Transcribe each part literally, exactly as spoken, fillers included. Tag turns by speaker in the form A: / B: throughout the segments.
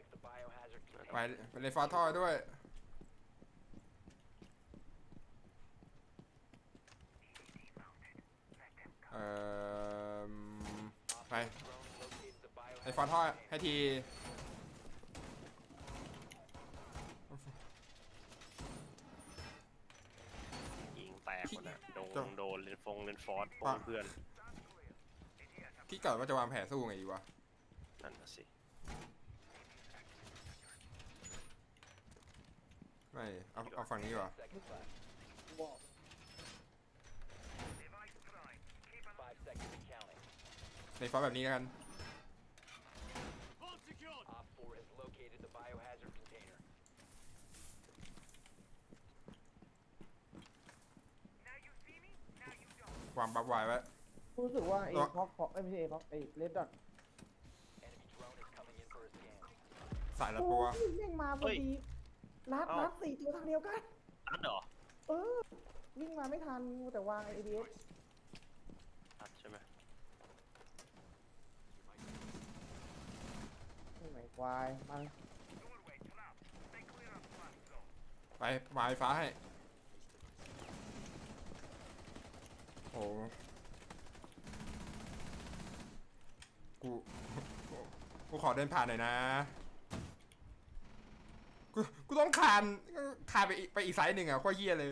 A: ไปไปเลยฟาท่อด้วยเอ่อไปไอ้ฟาท่อให้ที
B: ยิงแตกหมดอะโดนโดนเลนฟงเลนฟอร์ดปงเพื่อน
A: คิดก่อนว่าจะวางแผนสู้ไงดีวะ
B: นั่นน่ะสิ
A: ไม่เอาเอาฝั่งนี้วะในฟาแบบนี้แล้วกันวางบัฟไว้ไว้
C: รู้สึกว่าไอ้พ็อกพ็อกไม่ใช่ไอ้พ็อกไอ้เลดดอท
A: สายละปัว
C: แม่งมาพอดีนัดนัดสี่ตัวทางเดียวกัน
B: นัดเหรอ
C: เออวิ่งมาไม่ทันแต่วางไอเดีย
B: นัดใช่ไหม
C: ไม่ไหวควายมัน
A: ไปวายฟ้าให้โอ้กูกูขอเดินผ่านหน่อยนะกูกูต้องคานคานไปอีกไปอีกไซส์หนึ่งอ่ะโคตรเหี้ยเลย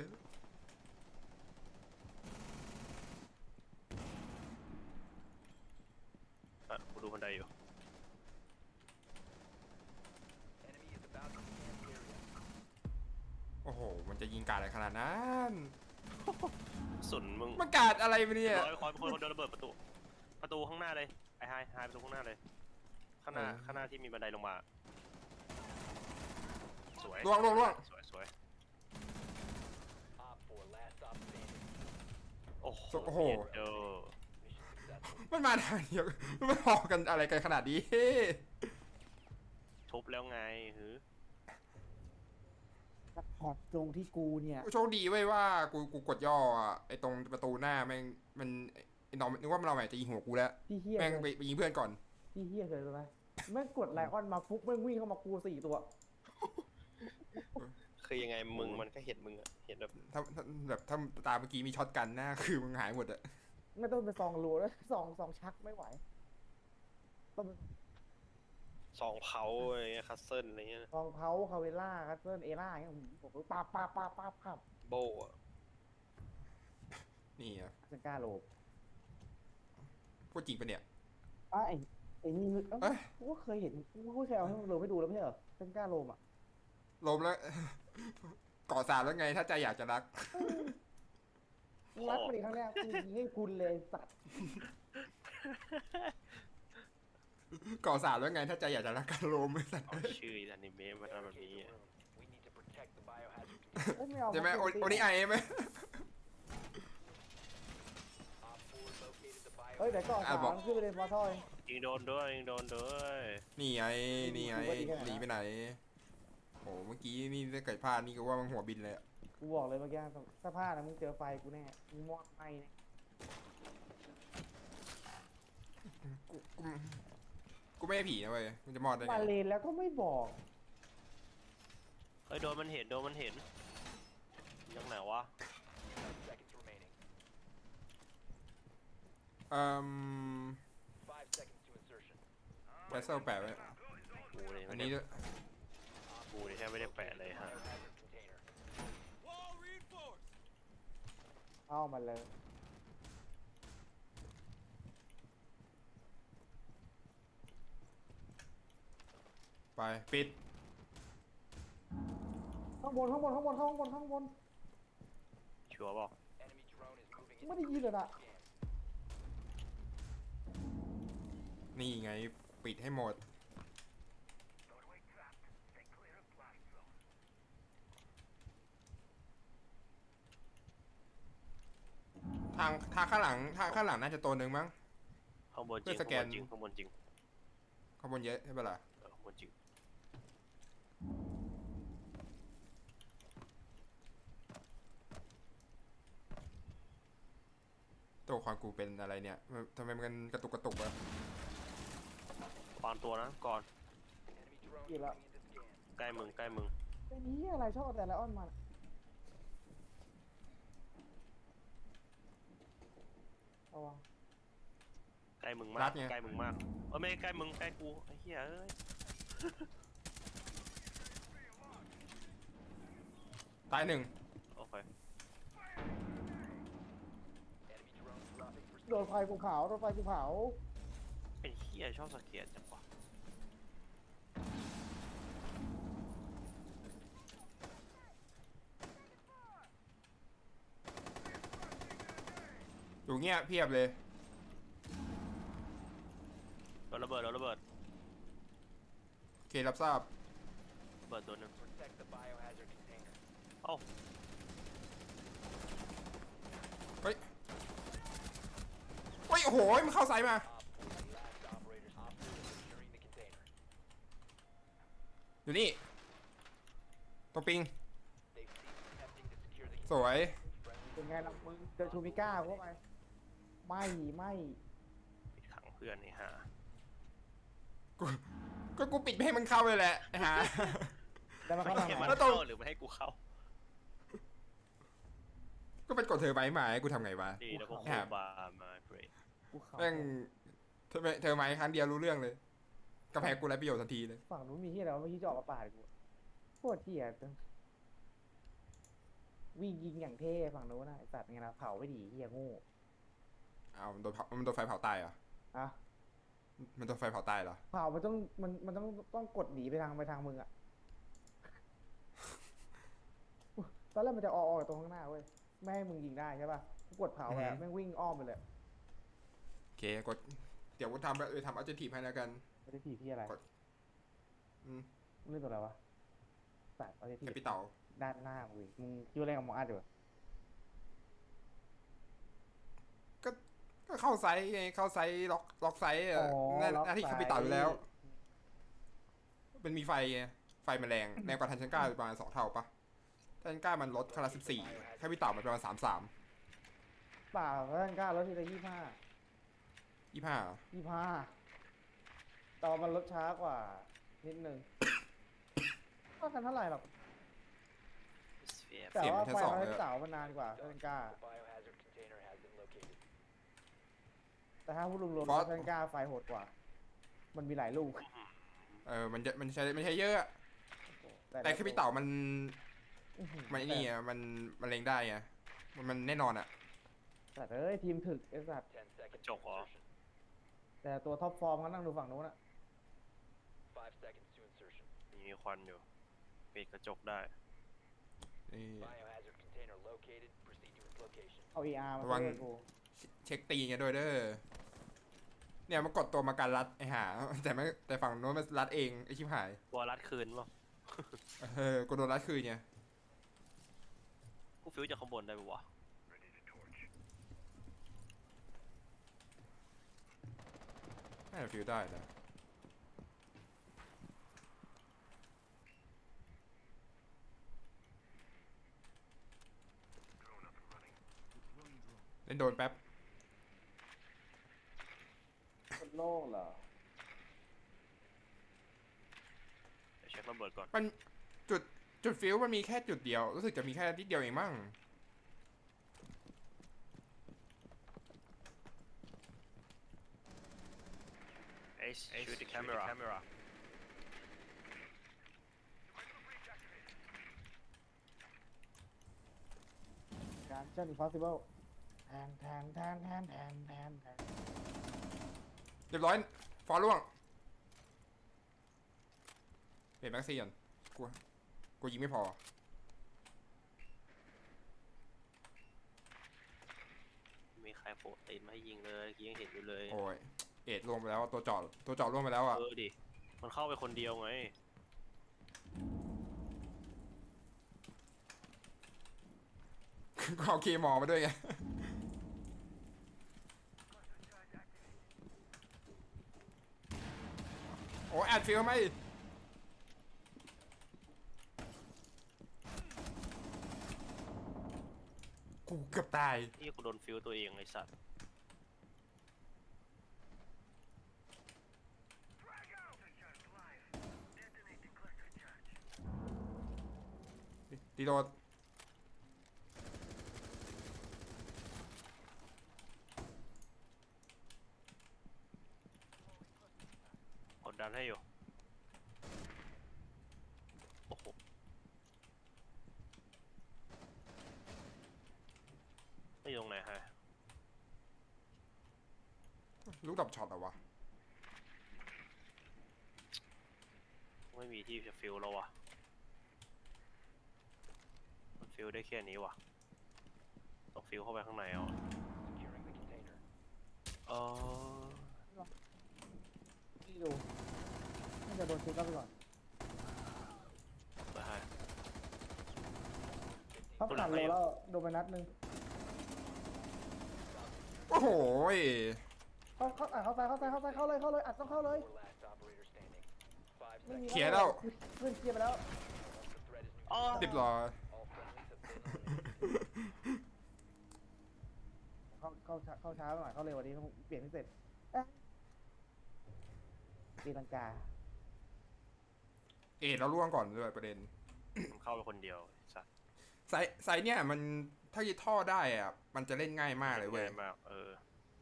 B: อ่ะกูดูบันไดอยู่
A: โอ้โหมันจะยิงกาดอะไรขนาดนั้น
B: สุนมึง
A: มันกาดอะไรไปเนี่ย
B: คอยคอยคนคนเดินระเบิดประตูประตูข้างหน้าเลยไอ้ไฮไฮประตูข้างหน้าเลยข้างหน้าข้างหน้าที่มีบันไดลงมาสวย
A: ล่วงล่วงล่วง
B: สวยสวยโอ้โห
A: โอ้โห
B: เออ
A: มันมาทางเดียวมันพอกันอะไรกันขนาดนี้
B: ทุบแล้วไงหือ
C: ซัพพอร์ตตรงที่กูเนี่ย
A: โชคดีไว้ว่ากูกูกดย่ออ่ะไอตรงประตูหน้าแม่งมันไอ้น้องนึกว่ามันเราแหมจะยิงหัวกูแล้วแม่งไปยิงเพื่อนก่อน
C: พี่เฮียเคยรู้ไหมแม่งกดไลออนมาฟุกแม่งวิ่งเข้ามากูสี่ตัว
B: คือยังไงมึงมันก็เห็นมึงอะเห็นแบบ
A: ถ้าแบบถ้าตาเมื่อกี้มีช็อตกันหน้าคือมึงหายหมดอะ
C: ไม่ต้องไปซองรูแล้วซองซองชักไม่ไหวต้อง
B: สองเผาอะไรเงี้ยคัสเซิลอะไรเงี้ย
C: ซองเพาคาเวล่าคัสเซิลเอล่าอย่างเงี้ยผมปั๊บปั๊บปั๊บปั๊บปั๊บ
B: โบ
A: นี่อ่ะ
C: เซนก้าโลบ
A: พูดจริงปะเนี่ย
C: อ่ะไอ้ไอ้นี่เอ้ยกูก็เคยเห็นกูก็เคยเอาให้มึงโลให้ดูแล้วไม่ใช่เหรอเซนก้าโลมอ่ะ
A: ลมแล้วก่อสารแล้วไงถ้าใจอยากจะรัก
C: รักไปอีกครั้งแรกกูยิงให้คุณเลยสัตว์
A: ก่อสารแล้วไงถ้าใจอยากจะรักกันลมไม่สัตว์
B: เอาชื่ออนิเมะมาทำแบบนี้
A: ใช่ไหมโอนิไอไหม
C: เฮ้ยเดี๋ยวก่อนสามขึ้นไปเลยมาทอย
B: ยิงโดนด้วยยิงโดนด้วย
A: นี่ไงนี่ไงหนีไปไหนโอ้เมื่อกี้นี่ถ้าเกิดพลาดนี่ก็ว่ามันหัวบินเลย
C: กูบอกเลยเมื่อกี้สภาพนะมึงเจอไฟกูแน่มึงมอดไหมเนี่ย
A: กูกูกูไม่ใช่ผีนะเว้ยมันจะมอดได้ไง
C: มาเลนแล้วก็ไม่บอก
B: เฮ้ยโดนมันเห็นโดนมันเห็นยังไหนวะ
A: อืมแคสเซิลแปะไว้
B: กูเลย
A: อันนี้ด้วย
B: กูเลยแทบไม่ได้แปะเลยฮะ
C: เอามาเลย
A: ไปปิด
C: ข้างบนข้างบนข้างบนข้างบนข้างบน
B: ชัวร์บอก
C: ไม่ได้ยินเลยนะ
A: นี่ไงปิดให้หมดทางทางข้างหลังทางข้างหลังน่าจะตัวหนึ่งมั้ง
B: ข้างบนจริงข้างบนจริงข้างบนจริง
A: ข้างบนเยอะใช่ปะล่ะ
B: ข้างบนจริง
A: ตัวความกูเป็นอะไรเนี่ยทำไมมันกระตุกกระตุกวะ
B: ปานตัวนะก่อน
C: กี่แล้ว
B: ใกล้มึงใกล้มึง
C: ไอ้นี้อะไรชอบแต่ละอ้อนมันเอาวะ
B: ใกล้มึงมากใกล้มึงมากเออไม่ใกล้มึงใกล้กูไอ้เหี้ยเอ้ย
A: ตายหนึ่ง
B: โอเค
C: โดนไฟกูเผาโดนไฟกูเผา
B: ไอ้เหี้ยชอบสเก็ตจังวะ
A: อยู่เงี้ยเพียบเลย
B: โดนระเบิดโดนระเบิด
A: โอเครับทราบ
B: ระเบิดตัวหนึ่งเอ้า
A: เฮ้ยเฮ้ยโอ้โหมันเข้าไซส์มาอยู่นี่ตัวปิงสวย
C: เป็นไงล่ะมึงเจอชูมิก้าเข้าไปไม่ไม่
B: ปิดขังเพื่อนนี่ฮะ
A: กูก็กูปิดไม่ให้มันเข้าเลยแหละไอ้ห่า
C: แต่มา
B: ไม่
C: ข้างหลัง
B: ให้มัน
A: แล้วตรง
B: เข้าหรือไม่ให้กูเข้า
A: ก็เป็นกดเธอไว้หมายกูทำไงวะ
B: ดีแล้วก็โคบามาเบรด
C: กูเขา
A: แม่งเธอเธอไม้ครั้งเดียวรู้เรื่องเลยกาแฟกูไรประโยชน์ทันทีเลย
C: ฝั่งนู้นมีที่อะไรวะเมื่อกี้จะออกมาปาดกูโคตรเที่ยจังวิ่งยิงอย่างเท่ฝั่งนู้นนะไอสัตว์ไงนะเผาไม่ดีเฮียโง่
A: เอามันโดนเผามันโดนไฟเผาตายเหรอ
C: อะ
A: มันโดนไฟเผาตายเหรอ
C: เผามันต้องมันมันต้องต้องกดหนีไปทางไปทางมึงอะตอนแรกมันจะออกออกจากตรงข้างหน้าเว้ยไม่ให้มึงยิงได้ใช่ป่ะกูกดเผาไปแม่งวิ่งอ้อมไปเลย
A: โอเคกดเดี๋ยวกูทำไปทำอัลเจทีฟให้แล้วกัน
C: ไม่ได้ทีพี่อะไร
A: อืม
C: เรื่องตัวอะไรวะสัตว์เอาได้ที
A: แคปิตอล
C: ด้านหน้ามึงมึงคิดว่าเล่นกับหมออัดอยู่
A: ก็ก็เข้าไซส์ไงเข้าไซส์ล็อกล็อกไซส์อะหน้าหน้าที่แคปิตอลอยู่แล้ว มันมีไฟไงไฟมันแรงแรงกว่าทันชันก้าประมาณสองเท่าปะทันชันก้ามันลดคาราสิบสี่แคปิตอลมันประมาณสามสาม
C: เปล่าเล่นกล้าลดทีละยี่ห้า
A: ยี่ห้า
C: ยี่ห้าต่อมันลดช้ากว่านิดนึงเท่ากันเท่าไหร่หรอก
B: สเฟียร์
C: แต่ว่าไฟมันเสามันนานกว่าเล่นกล้าแต่ถ้าพูดรวมๆเล่นกล้าไฟโหดกว่า มันมีหลายลูก
A: เออมันจะมันใช้มันใช้เยอะอะแต่แคปิตอลมัน
C: อื้อหือ
A: มันไอ้นี่อะมันมันเล็งได้ไงมันมันแน่นอนอะ
C: แต่เอ้ยทีมถึกไอ้สัตว์
B: กระจกเหรอ
C: แต่ตัวท็อปฟอร์มก็นั่งดูฝั่งนู้นอะ
B: มีควันอยู่ปิดกระจกได้
A: นี่
C: เอา เอ อาร์ มา
A: ระวัง
C: เล่นกู
A: เช็คตีไงด้วยเด้อเนี่ยมันกดตัวมาการรัดไอ้ห่าแต่ไม่แต่ฝั่งโน้นมันรัดเองไอ้ชิบหาย
B: วอลลัดคืนป่ะ
A: เออกูโดนรัดคืนไง
B: กูฟิวจากข้างบนได้ปะวะ
A: น่าจะฟิลได้นะเล่นโดนแป๊บ
C: คนโล่งเหรอ
B: เดี๋ยวเช็คระเบิดก่อน
A: มันจุดจุดฟิลมันมีแค่จุดเดียวรู้สึกจะมีแค่นิดเดียวเองมั้ง
B: เอชชูด the camera camera
C: การเช่น impossible แทนแทนแทนแทนแทนแทนแทน
A: เรียบร้อยฟอลล่วงเปลี่ยนแม็กซี่ก่อนกูกูยิงไม่พอ
B: มีใครโผล่ตีนมาให้ยิงเลยเมื่อกี้ยังเห็นอยู่เลย
A: โอ้ยเอ็ดลงไปแล้วตัวจอดตัวจอดล่วงไปแล้วอ่ะ
B: เออดิ มันเข้าไปคนเดียวไง
A: ก็เอาเคมอมาด้วยไงโอ้แอดฟิลไหมกูเกือบตาย
B: นี่กูโดนฟิวตัวเองไอ้สัตว์
A: เตีโดด
B: กดดันให้อยู่โอ้โหไม่อยู่ตรงไหนฮะ
A: ลูกดับช็อตเหรอวะ
B: ไม่มีที่จะฟิลแล้ววะมันฟิลได้แค่นี้วะต้องฟิลเข้าไปข้างในเอาเออ
C: ที่ดูน่าจะโดนเช็คเข้าไปก่อน
B: ไปให้
C: เขาผ่านโลแล้วโดนไปนัดหนึง
A: โอ้โหย
C: เขาเขาอ่ะเข้าซ้ายเข้าซ้ายเข้าซ้ายเข้าเลยเข้าเลยอัดต้องเข้าเลยไม่มี
A: เคลียร์แล้ว
C: เพื่อนเคลียร์ไปแล้ว
B: อ๋อ
A: เรียบร้อย
C: เข้าเข้าช้าเข้าช้าหน่อยเข้าเร็วกว่านี้ต้องเปลี่ยนให้เสร็จเอ๊ะตีลังกา
A: เอ็ดเราล่วงก่อนด้วยประเด็น
B: ผมเข้าไปคนเดียวสัตว์
A: ไซส์ไซส์เนี่ยมันถ้ายึดท่อได้อะมันจะเล่นง่ายมากเลยเว้ย
B: ง่มากเออ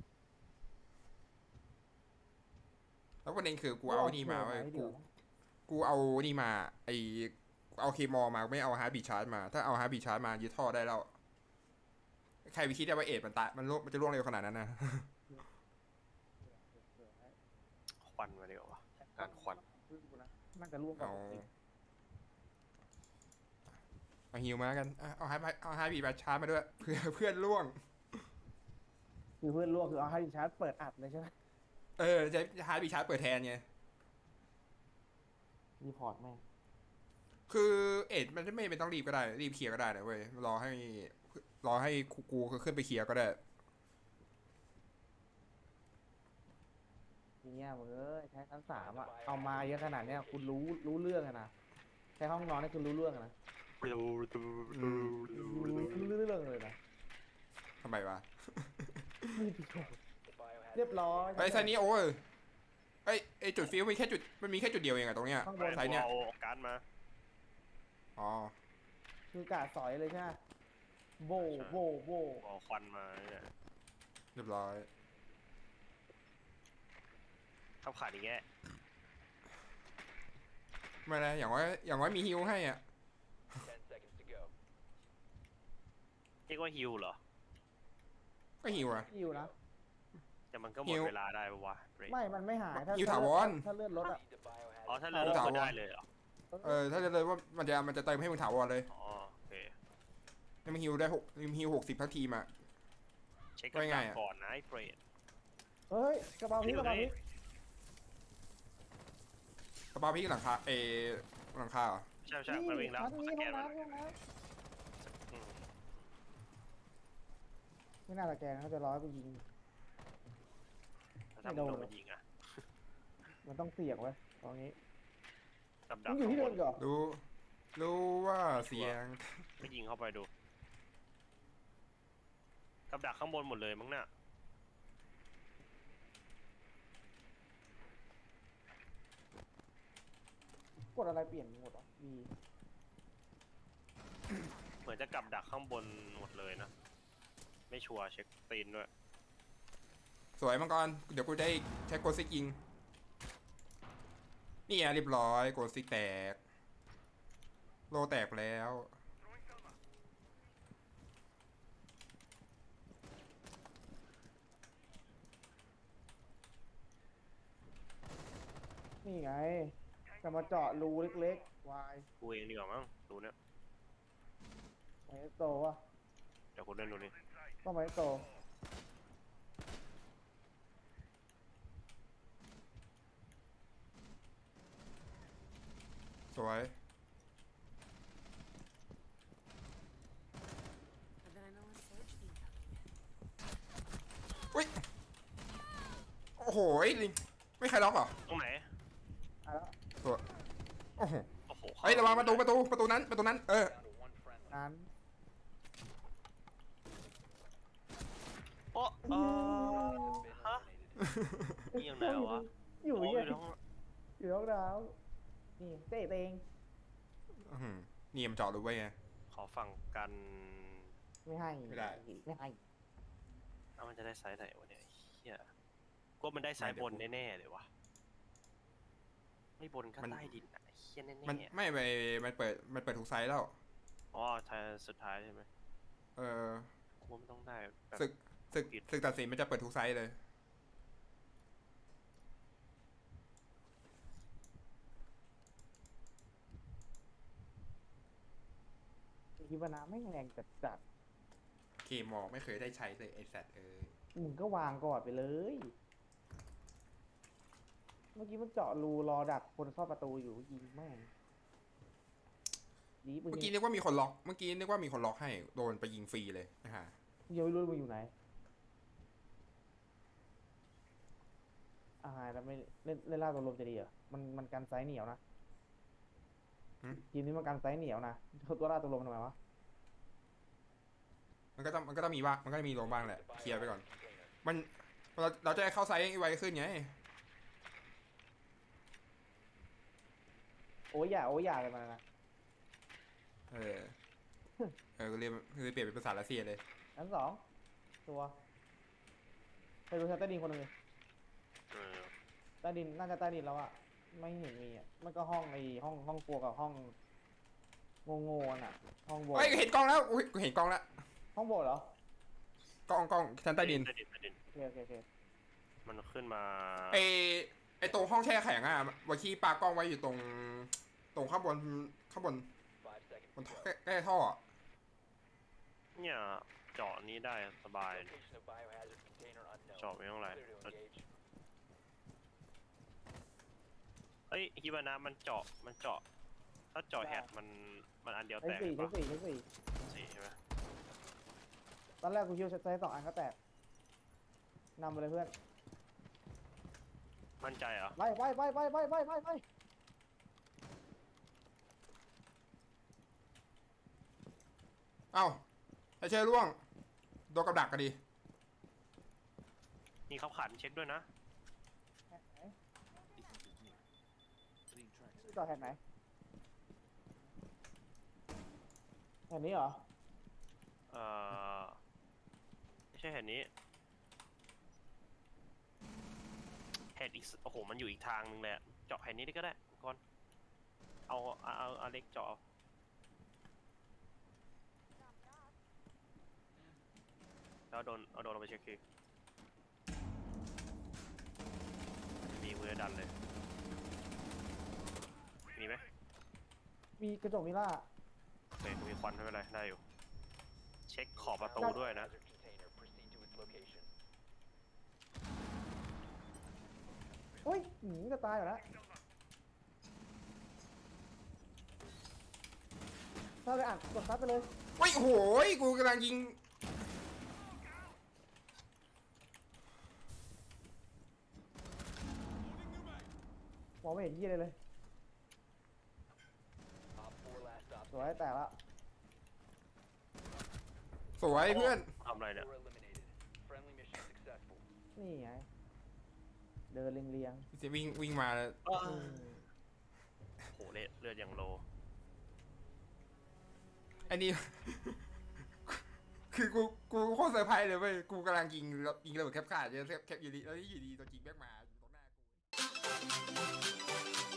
A: แล้วประเด็นคือกูเอานี่มาเว้ย
C: ไว้
A: กู
C: เดี๋ยว
A: กูเอานี่มาไอเอาเคมอลมาไม่เอาฮาร์ดบีชาร์จมา ถ้าเอาฮาร์ดบีชาร์จมายึดท่อได้แล้ว ใครไปคิดได้ว่าเอ็ดมันตายมันล่วงมันจะล่วงเร็วขนาดนั้นนะ
B: ควันมาดีกว่าวะการควัน
C: น่าจะร่วงก่อน
A: เอาเอาฮิวมากันอ่ะเอาฮาร์ดเอาฮาร์ดบีชาร์จมาด้วย เพื่อเพื่อนล่วง
C: คือเพื่อนร่วงคือเอาให้ชาร์จเปิดอัดเลยใช่ไหม
A: เออจะฮาร์ดบีชาร์จเปิดแทนไง
C: รีพอร์ตแม่ง
A: คือเอ็ดมันไม่ไม่ต้องรีบก็ได้ รีบเคลียร์ก็ได้นะเว้ยรอให้รอให้กูกูขึ้นไปเคลียร์ก็ได้
C: ทีเนี้ยมึงเอ้ยใช้ชั้นสามอ่ะเอามาเยอะขนาดเนี้ยคุณรู้รู้เรื่องอะนะใช้ห้องนอนนี่คุณรู้เรื่องอะนะรู้เรื่องเลยนะ
A: ทำไมวะ
C: ไม่ผิดกฎเรียบร้อย
A: ไอ้ไซนี้โอ้ยไอ้ไอ้จุดฟิวมีแค่จุดมันมีแค่จุดเดียวเองอะตรงเนี้ย
C: ข้างบน
A: ไซเนี้ย
B: เอาการ์ดมา
A: อ๋อ
C: คือกาดสอยเลยใช่ไหมโบโบโบ
B: เอาควันมาเนี่ย
A: เรียบร้อย
B: ทับขาดอีกแง่
A: ไม่นะอย่างว่าอย่างว่ามีฮิวให้อ่ะ
B: เรียกว่าฮิวเหรอ
A: ก็ฮิวอะ
C: อยู่นะ
B: แต่มันก็หม
A: ฮิ
B: ด
A: ว
B: เวลาได้ปะวะเบรก
C: ไม่ มันไม่หายถ้า
A: อยู่ถาวร
C: ถ้าเลือดลดอ่ะ
B: อ๋อถ้าเลือด
A: ถาวร
B: ก็ได้เลยเหรอ
A: เออถ้าจะเลยว่ามันจะมันจะเติมให้มึงถาวรเลย
B: อ๋อโอเค
A: ให้มึงฮิวได้หกมึงฮิวหกสิบทั้งทีมอะ
B: เช็ค
A: ว่า
B: กัน
A: ไงอะ
B: ก่อนนะไอ้เบรด
C: เฮ้ยกระเป๋าพี่กระเป๋าพี่
A: กระเป๋าพี่หลังคาเอหลังคาเหรอ
B: ใช่ใช่มันวิ่งแล้ว
C: ชั้นนี้
B: ส
C: ห้
B: แก
C: อง
B: นมัน
C: น้ำห้องน้
B: อืม
C: ำไม่น่าตะแกรงเขาจะร้อยไปยิง
B: ถ้าทำโดนมันยิงอะ
C: มันต้องเสี่ยงไว้ตรงนี้
B: กับดั
C: มั
B: ก
C: นอยู่ที่เดิมเหรอ
A: รู้รู้ว่าเสียง
B: ไม่ยิงเข้าไปดู กับดักข้างบนหมดเลยมั้งน่ะ
C: กดอะไรเปลี่ยนหมดอ่ะมี
B: เหมือนจะกับดักข้างบนหมดเลยนะ ไม่ชัวร์เช็คตีนด้วย
A: สวยมังกรเดี๋ยวกูได้ใช้โกซิกยิงนี่อ่ะเรียบร้อยโกซิกแตกโลแตกแล้ว
C: นี่ไงจะมาเจาะรูเล็กๆวาย
B: กูเองดีกว่ามั้งดูเนี่ย
C: ไมโตวะ
B: เดี๋ยวกูเล่นดูนี่
C: ต้องไมโต
A: สวย อุ้ย โอ้โหลิงไม่ใครล็อกเหรอ
B: ตรงไหน
C: อ่ะแล้ว
A: ตัวโอ้โห
B: โอ้โห
A: เฮ้ยระวังประตูประตูประตูนั้นประตูนั้น เออ
C: นั้น
B: โอ้เออฮะนี่ยังไงวะ
C: อยู่
B: โอ้
C: เหี้ย
B: อยู่ในห้อง
C: อยู่ห้องน้ำนี่เตะเอง
A: อื้อหือนี่มันเจาะรูไว้ไง
B: คขอฝั่งกัน
C: ไม่ให้
A: ไม่ได้
C: ไม่ให้
B: เอามันจะได้ไซส์ไหนวะเนี่ยเฮียก็มันได้ไซส์บนแน่ๆเลยวะไม่บนก็ใต้ดินอ่ะเฮียแน่
A: มัน
B: ๆ
A: ไม่ไปมันเปิดมันเปิดทุกไซส์แล้ว
B: อ๋อไทยสุดท้ายใช่ไหม
A: เออ
B: กูว่ามันต้องได้แบบ
A: ศึกศึกศึกตัดสินมันจะเปิดทุกไซส์เลย
C: คิดว่าน้ำไม่งแรงจัดจัด
A: เคมอไม่เคยได้ใช้เลยไอสัตว์เออ
C: มึงก็วางก่อนไปเลย เมื่อกี้มันเจาะรูรอดักคนเข้าประตูอยู่ยิงแม่งดีปืน
A: เมื่อกี้นึกว่ามีคนล็อก เมื่อกี้นึกว่ามีคนล็อกให้ โดนไปยิงฟรีเลยนะฮะ
C: เดี๋ยวไม่รู้มึงอยู่ไหนอ่าแล้วไม่เล่นเล่นล่าตัวลมจะดีเหรอมันมันกันไซส์เหนียวนะ
A: หืม
C: ทีมนี้มันกันไซส์เหนียวนะตัวล่าตัวลมทำไมวะ
A: มันก็ต้องมันก็ต้องมีบ้างมันก็มีลงบ้างแหละ เคลียร์ไปก่อน มันเราเราจะได้เข้าไซส์ไวขึ้นไง
C: โอ้ยอย่าโอ้ยอย่าเลยมันนะ
A: เออ เออเรียนคือเปลี่ยนเป็นภาษารัสเซียเลย
C: ชั้นสองตัวไปดูชั้นใต้ดินคนหนึ่งดิ
B: เออ
C: ใต้ดินน่าจะใต้ดินแล้วอะไม่เห็นมีอะมันก็ห้องไอห้องห้องครัวกับห้องโง่ๆน่ะ ห้องโบสถ์
A: เฮ้ยเห็นกล้องแล้วอุ้ยกูเห็นกล้องแล้ว
C: ห้องโบสถ์เหรอก
A: ล้องกล้องชั้นใต้ดิน
B: ใต้ดินใต้ดิน
C: โอเคโอเคโอเค
B: มันขึ้นมา
A: ไอไอตรงห้องแช่แข็งอ่ะวาคีปากล้องไว้อยู่ตรง ตรงข้างบนข้างบนบนท่อใกล้ใกล้ท่ออะ
B: เนี่ยเจาะนี้ได้สบายเจาะไม่ต้องไรเฮ้ยฮิบานะมันเจาะมันเจาะ ถ้าเจาะแฮดมันมันอันเดียว
C: ชั้
B: แต
C: น
B: ก
C: สี่ชั้
B: ปะ
C: นสี่ชั้นสี่
B: สี่ใช่ไหม
C: ตอนแรกกูคิดว่าใช้สองอันก็แตกนำไปเลยเพื่อน
B: มั่นใจเหรอ
C: ไปไปไปไปไปไปไปไป
A: เอ้าไอเชยร่วงโดนกับดักกันดิ
B: นี่เขาขันเช็คด้วยนะ
C: ต่อแผ่นไหนแผ่นนี้เหรอ
B: เอ่อไม่ใช่แฮดนี้แฮดอีกโอ้โหมันอยู่อีกทางนึงเลยอะเจาะแฮดนี้ได้ก็ได้ก่อนเอาเอาเอาเอาเล็กเจาะเอาแล้วโดนเอาโดนลงไปเช็คคือมีมือดันเลยมีไหม
C: มีกระจกมิล่า
B: โอเคกูมีควันไม่เป็นไรได้อยู่เช็คขอบประตูด้วยนะ
C: เฮ้ยหนีจะตายอยู่แล้วถ้าไปอ่านกดซัดไปเลย
A: เฮ้ยโอ้โหกูกำลังยิง
C: มองไม่เห็นยี่เลยเลยสวยแต่ละ
A: สวยเพื่อน
B: ทำอะไรเนี่ย
C: นี่ไงเดินเรียง
A: จะวิ่งวิ่งมาแล้ว
C: ๆอืม
B: โหเลือดเลือดอย่างโล
A: ไอ้นี่ คือกูกูโคตรเซอร์ไพรส์เลยเว้ยกูกำลังยิงยิงระเบิดแคปขาดเยอะแคปอยู่ดีแล้วนี่อยู่ดีตัวจริงแม่งมาอยู่ตรงหน้ากู